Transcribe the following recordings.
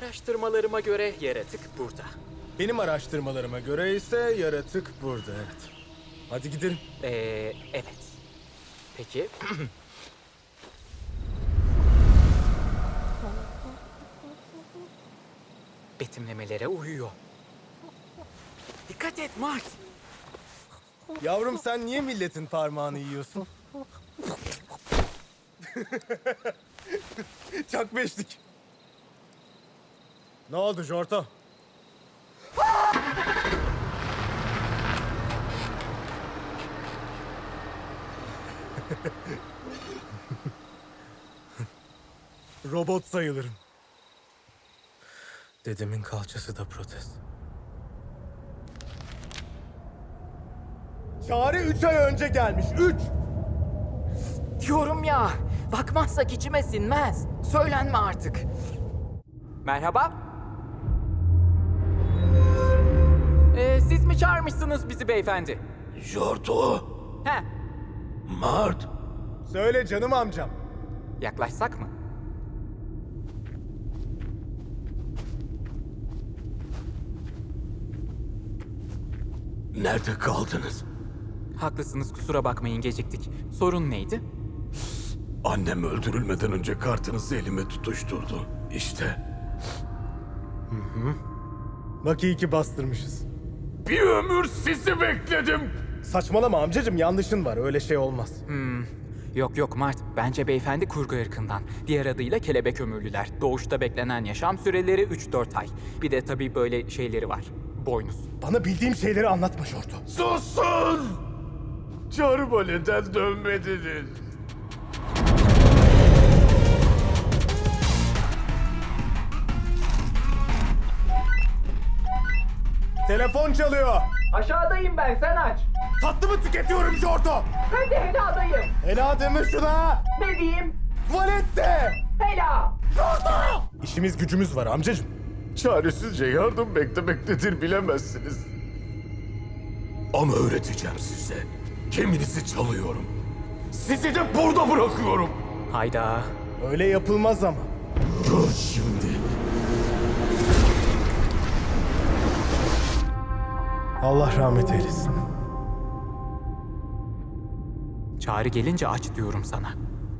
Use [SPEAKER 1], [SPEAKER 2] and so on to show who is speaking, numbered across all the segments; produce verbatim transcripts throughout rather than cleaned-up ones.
[SPEAKER 1] Araştırmalarıma göre yaratık burada.
[SPEAKER 2] Benim araştırmalarıma göre ise yaratık burada, evet. Hadi gidelim.
[SPEAKER 1] Ee, evet. Peki. Betimlemelere uyuyor. Dikkat et Mart.
[SPEAKER 2] Yavrum sen niye milletin parmağını yiyorsun? Çak beşlik. Ne oldu Jorto? Robot sayılırım. Dedemin kalçası da protez. Çağrı üç ay önce gelmiş. Üç!
[SPEAKER 1] Diyorum ya. Bakmazsak içime sinmez. Söylenme artık. Merhaba. Ee, siz mi çağırmışsınız bizi beyefendi?
[SPEAKER 3] Jorto,
[SPEAKER 1] He.
[SPEAKER 3] Mart.
[SPEAKER 2] Söyle canım amcam.
[SPEAKER 1] Yaklaşsak mı?
[SPEAKER 3] Nerede kaldınız?
[SPEAKER 1] Haklısınız, kusura bakmayın, geciktik. Sorun neydi?
[SPEAKER 3] Annem öldürülmeden önce kartınızı elime tutuşturdu. İşte.
[SPEAKER 2] Bak iyi ki bastırmışız.
[SPEAKER 3] Bir ömür sizi bekledim.
[SPEAKER 2] Saçmalama amcacım, yanlışın var. Öyle şey olmaz.
[SPEAKER 1] Yok yok Mart, bence beyefendi kurgu ırkından. Diğer adıyla kelebek ömürlüler. Doğuşta beklenen yaşam süreleri üç dört ay. Bir de tabii böyle şeyleri var. Boynuz.
[SPEAKER 2] Bana bildiğim şeyleri anlatma Jorto.
[SPEAKER 3] Susun! Çağrıma neden dönmediniz?
[SPEAKER 2] Telefon çalıyor.
[SPEAKER 1] Aşağıdayım ben, sen aç.
[SPEAKER 2] Tatlı mı tüketiyorum Jorto?
[SPEAKER 1] Ben de Hela'dayım.
[SPEAKER 2] Ela deme şuna.
[SPEAKER 1] Ne diyeyim?
[SPEAKER 2] Tuvalette.
[SPEAKER 1] Hela!
[SPEAKER 2] İşimiz gücümüz var amcacım.
[SPEAKER 3] Çaresizce yardım beklemek nedir bilemezsiniz. Ama öğreteceğim size. Geminizi çalıyorum. Sizi de burada bırakıyorum.
[SPEAKER 1] Hayda.
[SPEAKER 2] Öyle yapılmaz ama.
[SPEAKER 3] Gör şimdi.
[SPEAKER 2] Allah rahmet eylesin.
[SPEAKER 1] Çağrı gelince aç diyorum sana.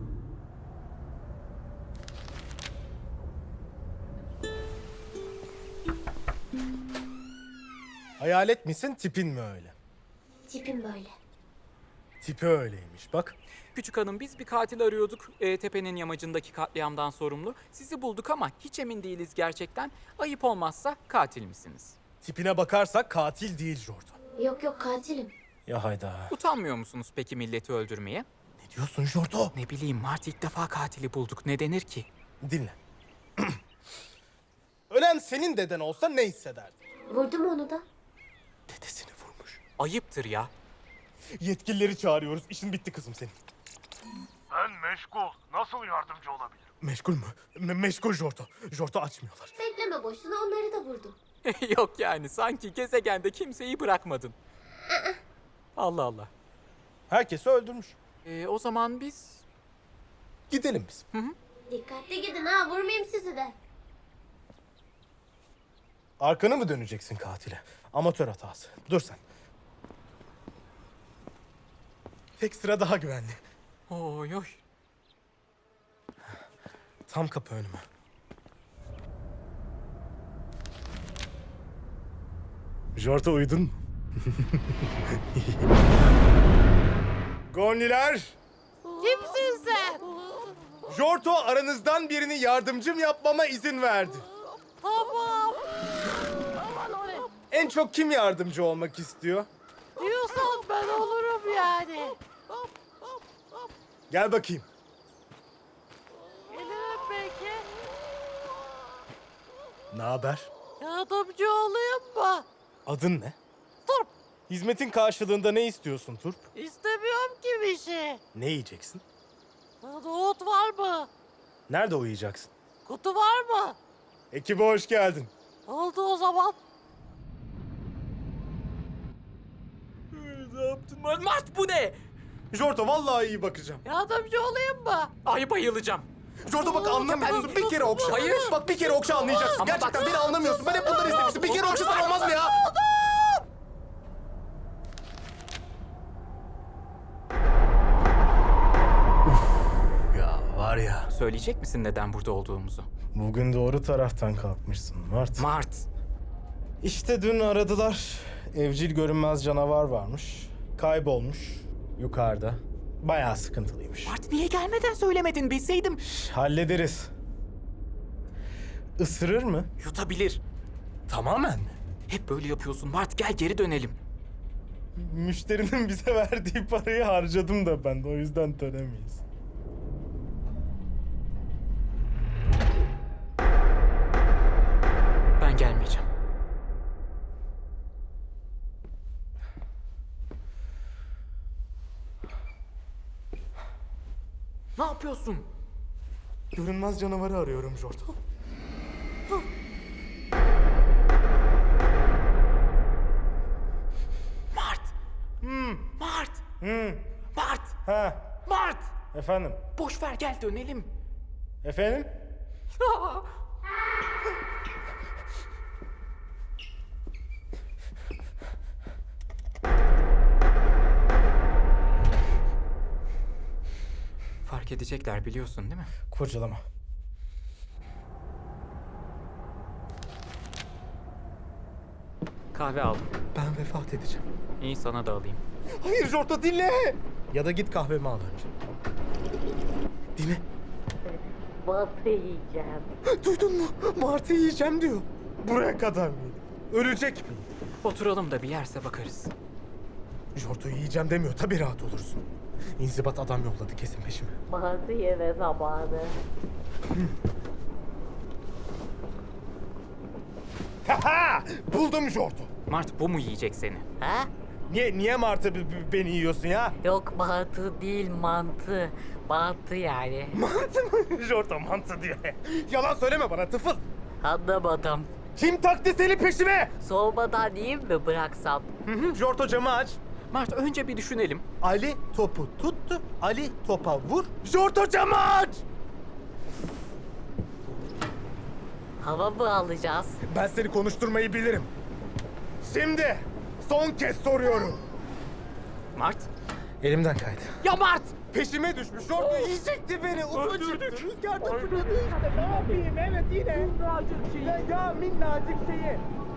[SPEAKER 2] Hayalet misin, tipin mi öyle?
[SPEAKER 4] Tipim böyle.
[SPEAKER 2] Tipi öyleymiş bak.
[SPEAKER 1] Küçük hanım, biz bir katil arıyorduk. E, tepenin yamacındaki katliamdan sorumlu. Sizi bulduk ama hiç emin değiliz gerçekten. Ayıp olmazsa katil misiniz?
[SPEAKER 2] Tipine bakarsak katil değil Jorto.
[SPEAKER 4] Yok yok katilim.
[SPEAKER 2] Ya hayda.
[SPEAKER 1] Utanmıyor musunuz peki milleti öldürmeye?
[SPEAKER 2] Ne diyorsun Jorto?
[SPEAKER 1] Ne bileyim Mart, ilk defa katili bulduk. Ne denir ki?
[SPEAKER 2] Dinle. Ölen senin deden olsa ne hissederdin?
[SPEAKER 4] Vurdum onu da.
[SPEAKER 2] Dedesini vurmuş.
[SPEAKER 1] Ayıptır ya.
[SPEAKER 2] Yetkilileri çağırıyoruz. İşin bitti kızım senin.
[SPEAKER 5] Ben meşgul. Nasıl yardımcı olabilirim?
[SPEAKER 2] Meşgul mü? Me- meşgul Jorto. Jorto açmıyorlar.
[SPEAKER 4] Bekleme boşuna onları da vurdum.
[SPEAKER 1] Yok yani, sanki gezegende kimseyi bırakmadın. Allah Allah.
[SPEAKER 2] Herkesi öldürmüş.
[SPEAKER 1] E, o zaman biz...
[SPEAKER 2] Gidelim biz.
[SPEAKER 4] Dikkatli gidin ha vurmayayım sizi de.
[SPEAKER 2] Arkanı mı döneceksin katile? Amatör hatası. Dur sen. Tek sıra daha güvenli.
[SPEAKER 1] Oy oy.
[SPEAKER 2] Tam kapı önüme. Jorto uyudun mu? Gonliler!
[SPEAKER 6] Kimsin sen?
[SPEAKER 2] Jorto aranızdan birini yardımcım yapmama izin verdi.
[SPEAKER 6] Tamam.
[SPEAKER 2] En çok kim yardımcı olmak istiyor?
[SPEAKER 6] Diyorsan ben olurum yani.
[SPEAKER 2] Gel bakayım.
[SPEAKER 6] Gelirim belki.
[SPEAKER 2] Ne haber?
[SPEAKER 6] Yardımcı olayım mı?
[SPEAKER 2] Adın ne?
[SPEAKER 6] Turp.
[SPEAKER 2] Hizmetin karşılığında ne istiyorsun Turp?
[SPEAKER 6] İstemiyorum ki bir şey.
[SPEAKER 2] Ne yiyeceksin?
[SPEAKER 6] Nohut var mı?
[SPEAKER 2] Nerede uyuyacaksın?
[SPEAKER 6] Kutu var mı?
[SPEAKER 2] Ekibe hoş geldin.
[SPEAKER 6] Oldu o zaman.
[SPEAKER 1] Ne yaptın Mart, bu ne?
[SPEAKER 2] Jorto vallahi iyi bakacağım.
[SPEAKER 6] Yardımcı olayım mı?
[SPEAKER 1] Ay bayılacağım.
[SPEAKER 2] Jorto bak anlamıyorsun. Bir kere okşa.
[SPEAKER 1] Hayır.
[SPEAKER 2] Bak bir kere okşa anlayacaksın.
[SPEAKER 1] Ama
[SPEAKER 2] Gerçekten
[SPEAKER 1] bak-
[SPEAKER 2] beni anlamıyorsun. Ben hep bunları istemiştim. Bir kere okşasan olmaz mı ya? Uf, ya var ya.
[SPEAKER 1] Söyleyecek misin neden burada olduğumuzu?
[SPEAKER 2] Bugün doğru taraftan kalkmışsın Mart.
[SPEAKER 1] Mart.
[SPEAKER 2] İşte dün aradılar. Evcil görünmez canavar varmış. Kaybolmuş. Yukarıda. Bayağı sıkıntılıymış.
[SPEAKER 1] Mart niye gelmeden söylemedin bilseydim.
[SPEAKER 2] Hallederiz. Isırır mı?
[SPEAKER 1] Yutabilir.
[SPEAKER 2] Tamamen mi?
[SPEAKER 1] Hep böyle yapıyorsun Mart, gel geri dönelim.
[SPEAKER 2] Müşterinin bize verdiği parayı harcadım da ben de o yüzden dönemeyiz.
[SPEAKER 1] Ben gelmeyeceğim. Ne yapıyorsun?
[SPEAKER 2] Görünmez canavarı arıyorum Jorto.
[SPEAKER 1] Mart. Mart. Mart.
[SPEAKER 2] Ha,
[SPEAKER 1] Mart.
[SPEAKER 2] efendim.
[SPEAKER 1] Boş ver gel dönelim.
[SPEAKER 2] Efendim?
[SPEAKER 1] Fark edecekler biliyorsun değil mi?
[SPEAKER 2] Kurcalama.
[SPEAKER 1] Kahve aldım.
[SPEAKER 2] Ben vefat edeceğim.
[SPEAKER 1] İyi sana da alayım.
[SPEAKER 2] Hayır Jorto dinle. Ya da git kahvemi al önce. Dinle.
[SPEAKER 6] Batı yiyeceğim.
[SPEAKER 2] Duydun mu? Martı yiyeceğim diyor. Buraya kadar mıydı? Ölecek mi?
[SPEAKER 1] Oturalım da bir yerse bakarız.
[SPEAKER 2] Jorto'yu yiyeceğim demiyor. Tabii rahat olursun. İnzibat adam yolladı kesin peşime.
[SPEAKER 6] Batı yeme zamanı.
[SPEAKER 2] Haha! Buldum Jorto.
[SPEAKER 1] Mart bu mu yiyecek seni?
[SPEAKER 6] Ha?
[SPEAKER 2] Niye niye Martı b- b- beni yiyorsun ya?
[SPEAKER 6] Yok batı değil mantı. Mantı yani.
[SPEAKER 2] Mantı mı? Jorto mantı diyor. Yalan söyleme bana tıfıl.
[SPEAKER 6] Anlamadım.
[SPEAKER 2] Kim taktı seni peşime?
[SPEAKER 6] Soğumadan yiyeyim mi bıraksam?
[SPEAKER 2] Hı hı, Jorto camı aç.
[SPEAKER 1] Mart önce bir düşünelim.
[SPEAKER 2] Ali topu tuttu. Ali topa vur. Jorto camı aç.
[SPEAKER 6] Hava mı alacağız?
[SPEAKER 2] Ben seni konuşturmayı bilirim. Şimdi son kez soruyorum.
[SPEAKER 1] Mart.
[SPEAKER 2] Elimden kaydı.
[SPEAKER 1] Ya Mart!
[SPEAKER 2] Peşime düşmüş. Jorto yiyecekti beni. Ufacıktı. Rüzgarda fırladı işte. Ne yapayım? Evet yine. Minnacık şeyi. Ya, ya minnacık şeyi.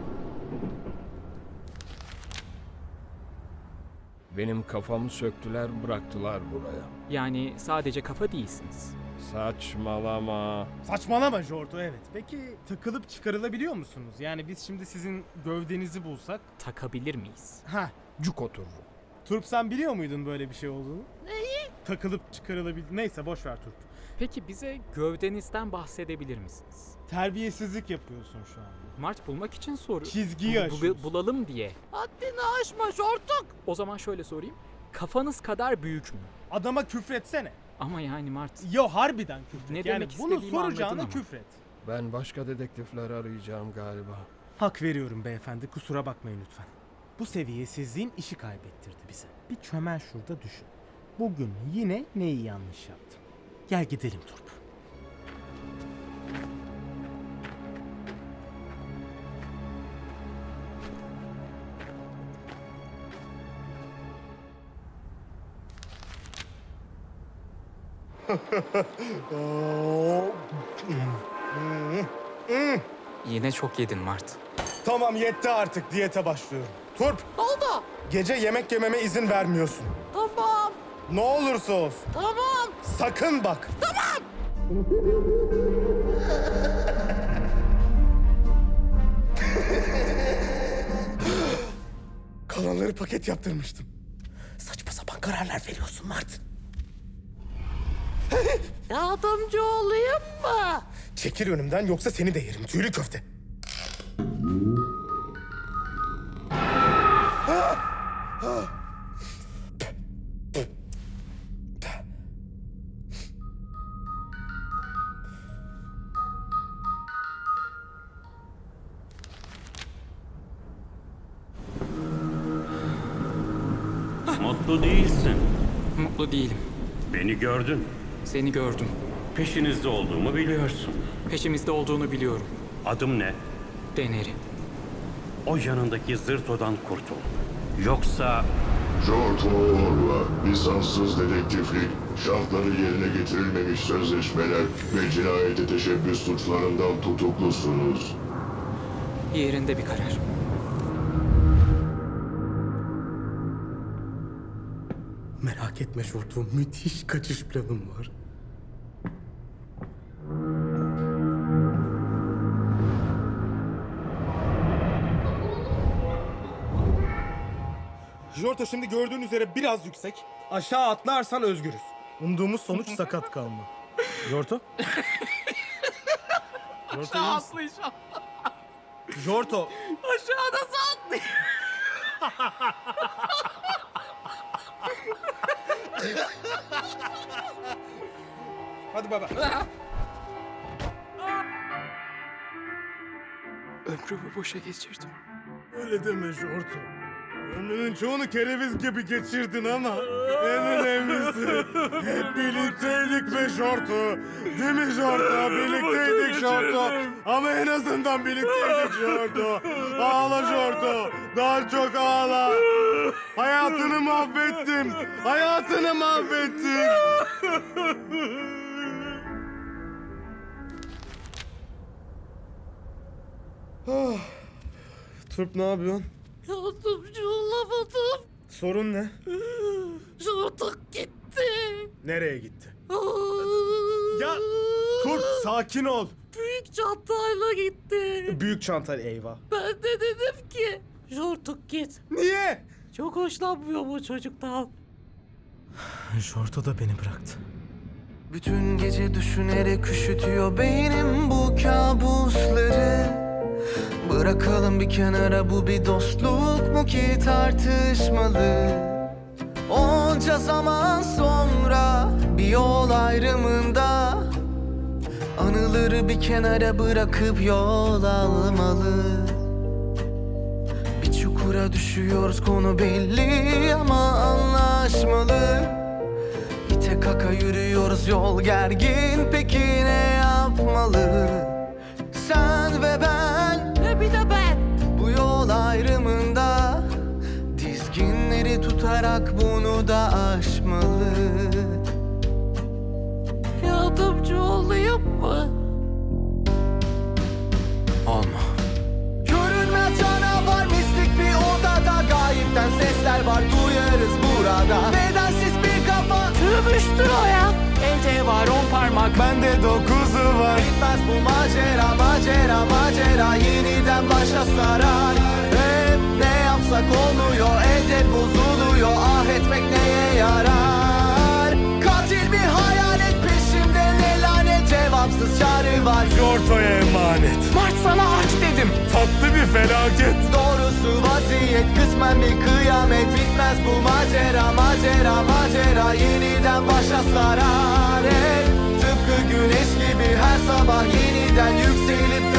[SPEAKER 7] Benim kafamı söktüler bıraktılar buraya.
[SPEAKER 1] Yani sadece kafa değilsiniz.
[SPEAKER 7] Saçmalama.
[SPEAKER 2] Saçmalama Jorto evet. Peki takılıp çıkarılabiliyor musunuz? Yani biz şimdi sizin gövdenizi bulsak.
[SPEAKER 1] Takabilir miyiz?
[SPEAKER 2] Ha.
[SPEAKER 7] Cuk otururum.
[SPEAKER 2] Turp sen biliyor muydun böyle bir şey olduğunu? Neyi? Takılıp çıkarılabilir. Neyse boş ver Turp.
[SPEAKER 1] Peki bize gövdenizden bahsedebilir misiniz?
[SPEAKER 2] Terbiyesizlik yapıyorsun şu an.
[SPEAKER 1] Mart bulmak için soru.
[SPEAKER 2] Çizgiyi
[SPEAKER 1] Bu- bu-
[SPEAKER 2] aşıyorsun.
[SPEAKER 1] bulalım diye.
[SPEAKER 6] Haddini aşma şortuk.
[SPEAKER 1] O zaman şöyle sorayım. Kafanız kadar büyük mü?
[SPEAKER 2] Adama küfretsene.
[SPEAKER 1] Ama yani Mart.
[SPEAKER 2] Yo harbiden küfret.
[SPEAKER 1] Ne
[SPEAKER 2] yani
[SPEAKER 1] demek
[SPEAKER 2] bunu
[SPEAKER 1] istediğimi anladın
[SPEAKER 2] soracağına
[SPEAKER 1] ama.
[SPEAKER 2] küfret.
[SPEAKER 7] Ben başka dedektifler arayacağım galiba.
[SPEAKER 2] Hak veriyorum beyefendi. Kusura bakmayın lütfen. Bu seviyesizliğin işi kaybettirdi bize. Bir çömel şurada düşün. Bugün yine neyi yanlış yaptım? Gel gidelim Turp.
[SPEAKER 1] Yine çok yedin Mart.
[SPEAKER 2] Tamam yetti artık. Diyete başlıyorum. Turp,
[SPEAKER 6] Ne oldu?
[SPEAKER 2] gece yemek yememe izin vermiyorsun.
[SPEAKER 6] Tamam.
[SPEAKER 2] Ne olursa olsun.
[SPEAKER 6] Tamam.
[SPEAKER 2] Sakın bak. Tamam. Kalanları paket yaptırmıştım. Saçma sapan kararlar veriyorsun Mart.
[SPEAKER 6] Yardımcı olayım mı?
[SPEAKER 2] Çekil önümden yoksa seni de yerim tüylü köfte.
[SPEAKER 8] Mutlu değilsin.
[SPEAKER 1] Mutlu değilim.
[SPEAKER 8] Beni gördün.
[SPEAKER 1] Seni gördüm.
[SPEAKER 8] Peşinizde olduğumu biliyorsun.
[SPEAKER 1] Peşimizde olduğunu biliyorum.
[SPEAKER 8] Adım ne?
[SPEAKER 1] Deneri.
[SPEAKER 8] O yanındaki zırtodan kurtul. Yoksa
[SPEAKER 3] Jorto Orva, lisanssız dedektiflik, şartları yerine getirilmemiş sözleşmeler ve cinayete teşebbüs suçlarından tutuklusunuz.
[SPEAKER 1] Yerinde bir karar.
[SPEAKER 2] Merak etme Şorto, müthiş kaçış planım var. Jorto, şimdi gördüğün üzere biraz yüksek. Aşağı atlarsan özgürüz. Umduğumuz sonuç sakat kalma. Jorto? Jorto Aşağı atlayacağım. Jorto.
[SPEAKER 6] Aşağı nasıl atlayayım?
[SPEAKER 2] Hadi baba.
[SPEAKER 1] Ömrümü boşa geçirdim.
[SPEAKER 2] Öyle deme Jorto. Ömrünün çoğunu kereviz gibi geçirdin ama en önemlisi hep birlikteydik be Jorto. Değil mi Jorto? Birlikteydik Jorto. Ama en azından birlikteydik Jorto. Ağla Jorto. Daha çok ağla. Hayatını mahvettim. Hayatını mahvettim. Ah. Turp, ne yapıyorsun?
[SPEAKER 6] Yardımcı olamadım.
[SPEAKER 2] Sorun ne?
[SPEAKER 6] Jortuk gitti.
[SPEAKER 2] Nereye gitti? Ya Turp, sakin ol.
[SPEAKER 6] Büyük çantayla gitti.
[SPEAKER 2] Büyük çantal, eyvah.
[SPEAKER 6] Ben de dedim ki Jortuk git.
[SPEAKER 2] Niye?
[SPEAKER 6] Çok hoşlanmıyor bu çocuktan.
[SPEAKER 2] Jorto da beni bıraktı.
[SPEAKER 9] Bütün gece düşünerek üşütüyor beynim bu kabusları. Bırakalım bir kenara, bu bir dostluk mu ki tartışmalı? Onca zaman sonra bir yol ayrımında anıları bir kenara bırakıp yol almalı. Bir çukura düşüyoruz, konu belli ama anlaşmalı. İte kaka yürüyoruz, yol gergin, peki ne yapmalı? Sen ve ben,
[SPEAKER 6] Ve bir de ben.
[SPEAKER 9] bu yol ayrımında dizginleri tutarak bunu da aşmalı.
[SPEAKER 6] Yardımcı olayım mı?
[SPEAKER 9] Olma. Görünmez canavar, mistik bir odada, gayipten sesler var, duyarız burada. Bedensiz bir kafa,
[SPEAKER 6] Sürmüştür o ya.
[SPEAKER 1] Elde var on parmak.
[SPEAKER 2] Bende dokuzu var.
[SPEAKER 9] bitmez bu macera, macera, macera, yeniden başa sarar. Hep ne yapsak olmuyor, elde bozuluyor, ah etmek neye yarar? Katil bir hayalet peşimde, ne lanet, cevapsız çağrı var.
[SPEAKER 2] Jorto'ya emanet.
[SPEAKER 1] Mart, sana aç dedim.
[SPEAKER 2] Tatlı bir felaket.
[SPEAKER 9] Doğrusu vaziyet kısmen bir kıyamet, bitmez bu macera, macera, macera, yeniden başa sarar. Hep tıpkı güneş gibi her sabah yeniden yükselip